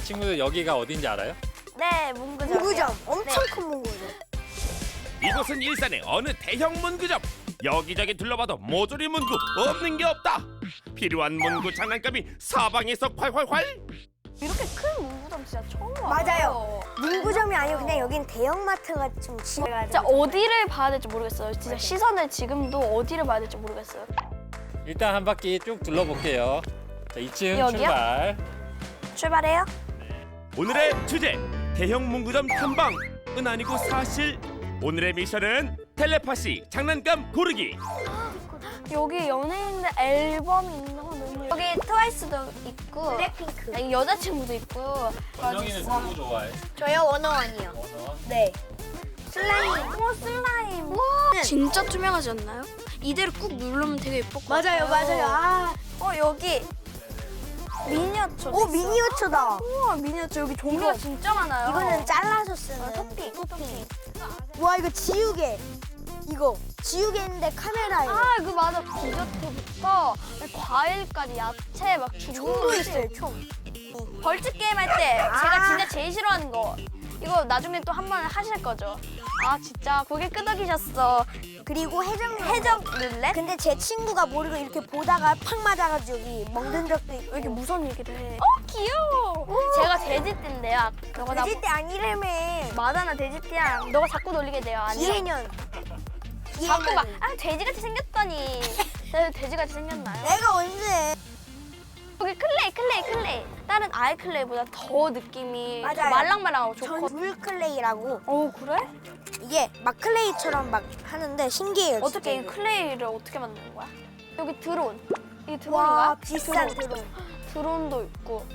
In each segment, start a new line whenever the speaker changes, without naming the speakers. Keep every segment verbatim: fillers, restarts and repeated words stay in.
친구들 여기가 어딘지 알아요?
네, 문구점.
문구점. 엄청 큰 문구점.
이곳은 일산의 어느 대형 문구점. 여기저기 둘러봐도 모조리 문구 없는 게 없다. 필요한 문구 장난감이 사방에서 활활활.
이렇게 큰 문구점 진짜 처음 와요.
맞아요. 문구점이 아니고 그냥 여긴 대형마트가 좀 지어가지고.
진짜 어디를 봐야 될지 모르겠어요. 진짜 시선을 지금도 어디를 봐야 될지 모르겠어요.
일단 한 바퀴 쭉 둘러볼게요. 자, 이 층
여기요?
출발.
출발해요?
오늘의 주제 대형 문구점 탐방은 아니고 사실. 오늘의 미션은 텔레파시 장난감 고르기.
여기 연예인들 앨범이 있는 거 너무 여기 트와이스도 있고
블랙핑크.
아, 여자친구도 있고
원영이는 누구 좋아해?
저요 원어원이요.
원어.
네.
슬라임 오 슬라임 와 진짜 투명하지 않나요? 이대로 꾹 누르면 되게 예쁠 것
맞아요,
같아요.
맞아요. 아,
어 여기 미니어처
오 미니어처다.
우와 미니어처 여기 종류가 진짜 많아요.
이거는 잘라서 쓰는
아, 토핑 토핑
와 이거 지우개. 이거 지우개인데 카메라예요.
아 그 맞아 디저트부터 과일까지 야채 막
총도 있어요, 총.
벌칙 게임 할 때 제가
아.
진짜 제일 싫어하는 거 이거 나중에 또 한 번 하실 거죠? 아 진짜 고개 끄덕이셨어.
그리고 해적
해적 룰렛?
근데 제 친구가 모르고 이렇게 보다가 팍 맞아가지고 여기 멍든 적도 있고.
왜 이렇게 무서운 얘기를 해? 어 귀여워. 제가 돼지띠인데요. 너가 나
돼지 때 아니라며.
맞아 돼지띠야. 너가 자꾸 놀리게 돼요. 아니야.
기해년.
자꾸 막 아 돼지같이 생겼더니 내가 돼지같이 생겼나요?
내가 언제?
여기 클레이 클레이 클레이. 다른 아이 클레이보다 더 느낌이 더
맞아요.
말랑말랑하고
전
좋고.
물클레이라고.
어 그래?
이게 막 클레이처럼 막 하는데 신기해요.
어떻게 이
진짜 이거.
클레이를 어떻게 만드는 거야? 여기 드론. 이게
와
드론인가?
비싼
드론.
드론.
드론도 있고.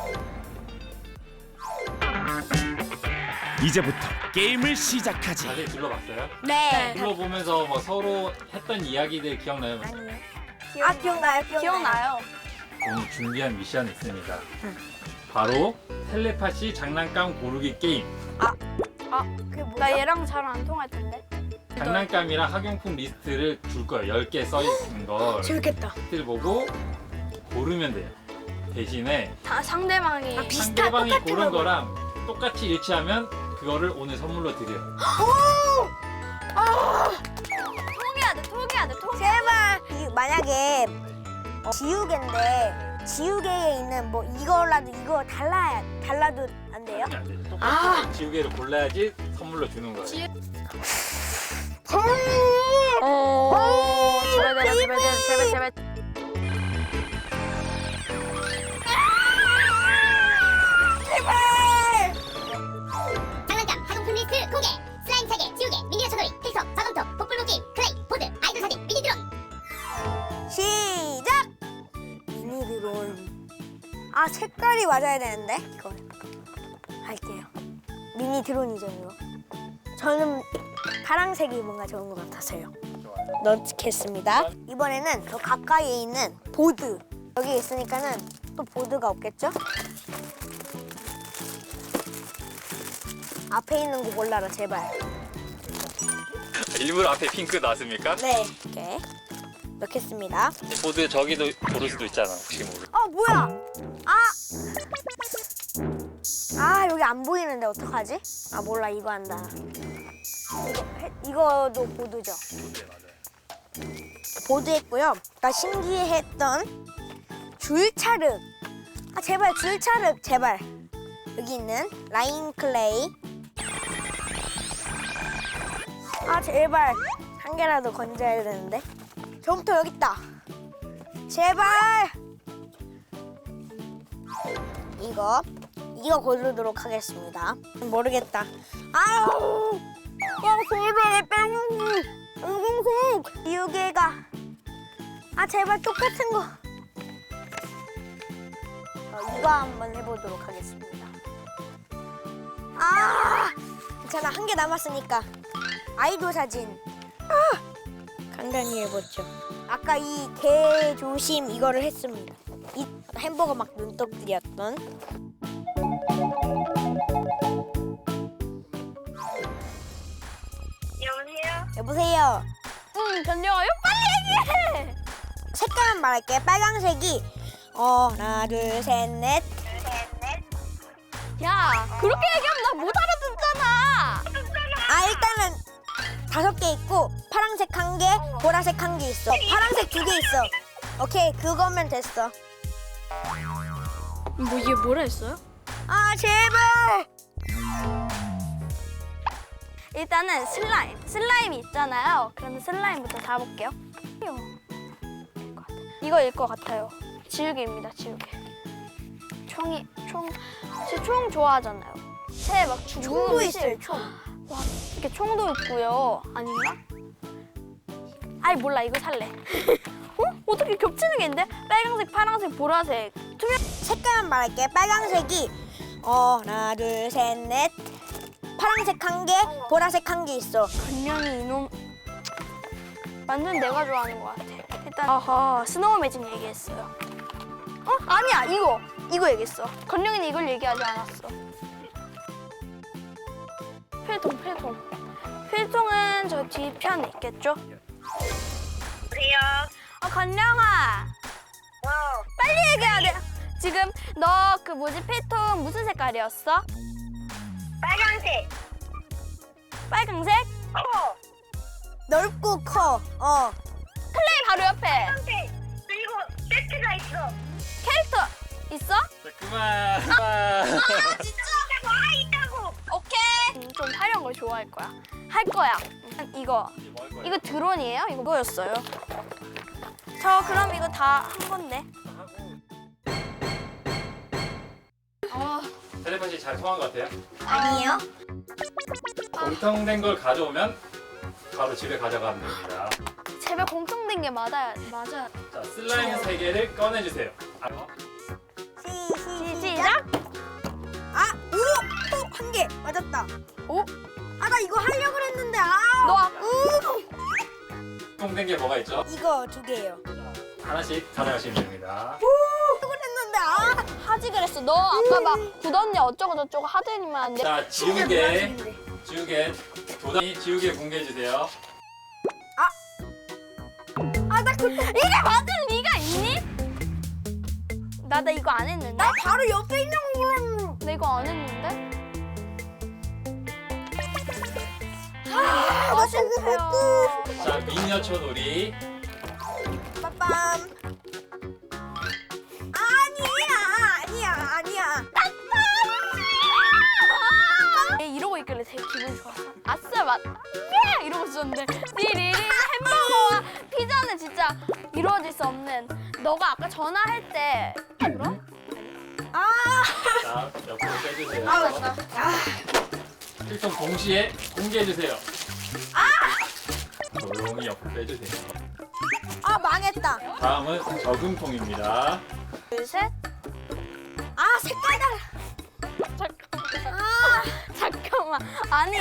이제부터 게임을 시작하지.
다들 둘러봤어요?
네.
둘러보면서 뭐 서로 했던 이야기들 기억나요?
아니요. 아 기억나요, 기억나요.
기억나요?
오늘 준비한 미션이 있습니다. 바로 텔레파시 장난감 고르기 게임.
그게 뭐죠?
나 얘랑 잘 안 통할 텐데.
장난감이랑 학용품 리스트를 줄 거예요. 열 개 써 있는 걸.
재밌겠다.
리스트를 보고 고르면 돼요. 대신에
다 상대방이
아, 비슷한
상대방이
똑같은
고른
걸
거랑 똑같이 일치하면 그거를 오늘 선물로 드려요.
통해야 돼, 통해야 돼, 통해.
제발. 이, 만약에 어, 지우개인데 지우개에 있는 뭐 이거라도 이거 달라야 달라도 안 돼요?
안 돼. 똑같이
아.
지우개를 골라야지 선물로 주는 거예요.
지- 어, 제발, 제발, 제발, 제발, 제발.
장난감, 학용품 리스트 공개! 슬라임 차게, 지우개, 미니어처 놀이, 필석, 자동터, 복불복 게임, 클레이, 보드, 아이돌 사진, 미니 드론!
시작. 미니 드론. 아 색깔이 맞아야 되는데 이거 할게요. 미니 드론이죠 이거. 저는 파란색이 뭔가 좋은 것 같아서요. 넣겠습니다. 이번에는 더 가까이에 있는 보드. 여기 있으니까는 또 보드가 없겠죠? 앞에 있는 거 골라라 제발.
일부러 앞에 핑크 놨습니까?
네. 이렇게 넣겠습니다.
보드 저기도 고를 수도 있잖아. 혹시 모르.
어 뭐야? 아! 아 여기 안 보이는데 어떡하지? 아 몰라 이거 한다. 이거 해- 이거도 보드죠.
네 맞아요.
보드 했고요. 나 신기했던 줄차륵. 아 제발 줄차륵 제발. 여기 있는 라인 클레이. 아 제발 한 개라도 건져야 되는데. 저부터 여기 있다. 제발. 이거 이거 고르도록 하겠습니다. 모르겠다. 아우. 야 제발 빼먹기. 응공공. 지우개가. 아 제발 똑같은 거. 어, 이거 한번 해보도록 하겠습니다. 아 괜찮아 한 개 남았으니까 아이돌 사진. 아 간단히 해보죠. 아까 이 개 조심 이거를 했습니다. 이 햄버거 막 눈독들이었던.
여보세요?
여보세요.
응, 견뎌요? 빨리 얘기해!
색깔만 말할게. 빨강색이 어 하나 둘 셋 넷
그렇게 얘기하면 나 못 알아듣잖아.
아 일단은 다섯 개 있고 파란색 한 개, 보라색 한 개 있어. 파란색 두 개 있어. 오케이 그거면 됐어.
뭐 이게 뭐라 했어요?
아 제발.
일단은 슬라임. 슬라임이 있잖아요. 그러면 슬라임부터 잡아볼게요. 이거일 것 같아요. 지우개입니다. 지우개. 총이 총. 제 총 좋아하잖아요. 새막 죽는
총도
음식.
있어요. 총.
와 이렇게 총도 있고요. 아닌가? 아이 몰라 이거 살래. 어? 어떻게 겹치는 게 있는데? 빨강색, 파란색, 보라색. 투명.
색깔만 말할게. 빨강색이 어 하나 둘 셋 넷. 파란색 한 개, 보라색 한 개 있어.
건명이 이놈. 완전 내가 좋아하는 것 같아. 일단 아하 스노우 매직 얘기했어요. 어? 아니야 이거 이거 얘기했어. 건영이는 이걸 얘기하지 않았어. 필통 필통. 필통은 저 뒤편에 있겠죠?
보세요.
어 건영아 빨리 얘기해야 돼. 지금 너 그 뭐지 필통 무슨 색깔이었어?
빨강색.
빨강색?
커. 넓고 커. 어.
클레이 바로 옆에
빨강색. 그리고 세트가 있어.
캐릭터 있어?
자, 그만. 그만.
진짜 와 있다고.
오케이. 음, 좀 화려한 걸 좋아할 거야. 할 거야. 음, 이거
이제 뭐 할 거예요?
이거 드론이에요? 이거 뭐였어요? 저 그럼 이거 다 한 건데. 어,
텔레파시 잘 통한 것 같아요?
아니에요?
공통된 걸 가져오면 바로 집에 가져가면 됩니다.
제발 공통된 게 맞아야 맞아.
자, 슬라임 세 개를 꺼내주세요. 아,
시, 시,
시작.
아, 오! 또 한 개. 맞았다.
오,
아, 나 이거 하려고 했는데. 아.
너 아까
우!
공통된 게 뭐가 있죠?
이거 두 개예요.
하나씩 가져가시면 됩니다.
하려고 했는데. 아.
하지 그랬어. 너 아까 막 굳었냐 어쩌고 저쩌고 하더니만 안 돼.
자, 지우개, 지우개, 도단이 지우개 공개해 주세요.
아, 나 그,
이게 맞을 리가 있니? 나 나 이거 안 했는데.
나 바로 옆에 있는 거 몰랐는데.
나 이거 안 했는데.
아, 나
아쉽어요.
자, 미니어처 놀이.
빠밤. 아니야, 아니야, 아니야.
얘 이러고 있길래 되게 기분 좋았어. 아싸 맛. 예! 이러고 있었는데 띠리리 햄버거와 피자는 진짜 이루어질 수 없는. 너가 아까 전화할 때 그럼?
아,
자, 옆으로 빼주세요.
아, 맞다. 아,
필통 동시에 공개해 주세요. 조용히 옆으로 빼주세요.
아, 망했다.
다음은 저금통입니다.
둘 셋.
아, 색깔 달라.
잠깐만.
아,
잠깐만. 아니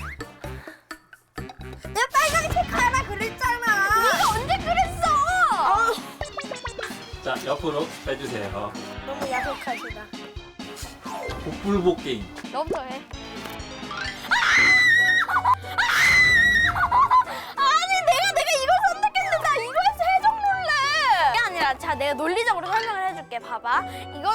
내가 빨간색 하라 그랬잖아.
네가 언제 그랬어?
아,
자, 옆으로 빼주세요.
너무 야속하시다.
복불복 게임.
너부터 해. 아니 내가 내가 이걸 선택했는데 나 이거에서 해적 놀래. 그게 아니라 자 내가 논리적으로 설명을 해줄게. 봐봐. 이거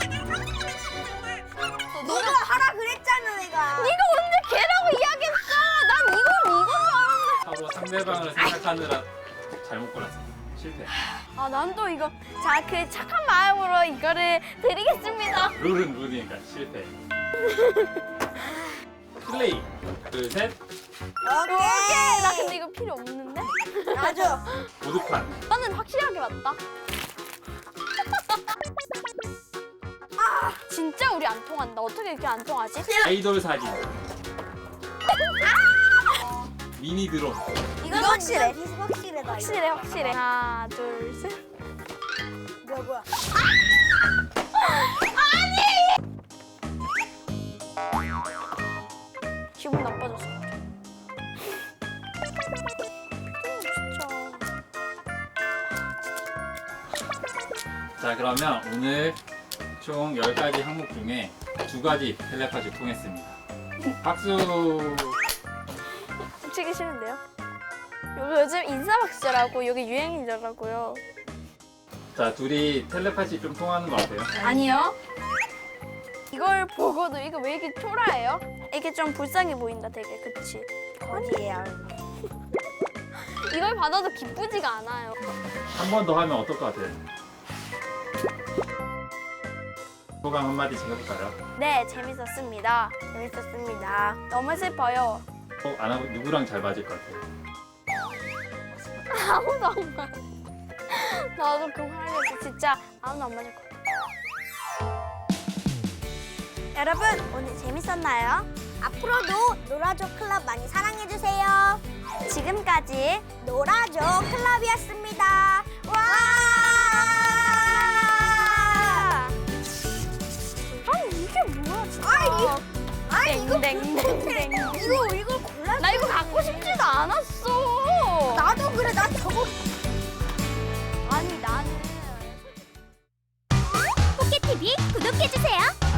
너가 하라 그랬잖아, 내가.
네가 언제 걔라고 이야기했어? 난 이건 이건 줄 알았는데.
서로 상대방을 생각하느라 잘못 골랐습니다. 실패.
아 난 또 이거 자 그 착한 마음으로 이거를 드리겠습니다.
룰은 룰이니까 실패. 플레이. 둘, 셋.
오케이. 나 근데 이거 필요 없는데?
맞아.
보드판.
나는 확실하게 맞다. 진짜 우리 안 통한다. 어떻게 이렇게 안 통하지?
아이돌 사진. 미니 드론.
이건 확실해.
확실해, 나.
확실해, 확실해. 하나, 둘, 셋.
뭐야, 뭐야.
기분 나빠졌어. 진짜.
자, 그러면 오늘 총 열 가지 항목 중에 두 가지 텔레파시 통했습니다. 박수!
치기 싫은데요? 요- 요즘 인사박수라고 여기 유행이더라고요.
자, 둘이 텔레파시 좀 통하는 것 같아요.
아니요. 이걸 보고도 이거 왜 이렇게 초라해요? 이게 좀 불쌍해 보인다 되게, 그치?
거지예요.
이걸 받아도 기쁘지가 않아요.
한 번 더 하면 어떨 것 같아요? 소감 한마디 해볼까요?
네, 재밌었습니다.
재밌었습니다.
너무 슬퍼요.
어, 안 하고 누구랑 잘 맞을 것 같아요?
아무도 안 맞아. 나도 그만하겠어. 진짜 아무도 안 맞을 것 같아.
여러분 오늘 재밌었나요? 앞으로도 놀아줘 클럽 많이 사랑해주세요. 지금까지 놀아줘 클럽이었습니다. 와!
아니 이게 뭐야 진짜.
아니, 아니 이거
땡땡땡땡.
이거 이걸 골라.
나 이거 갖고 싶지도 않았어.
나도 그래. 나 저거.
아니 나는.
포켓티비 구독해주세요.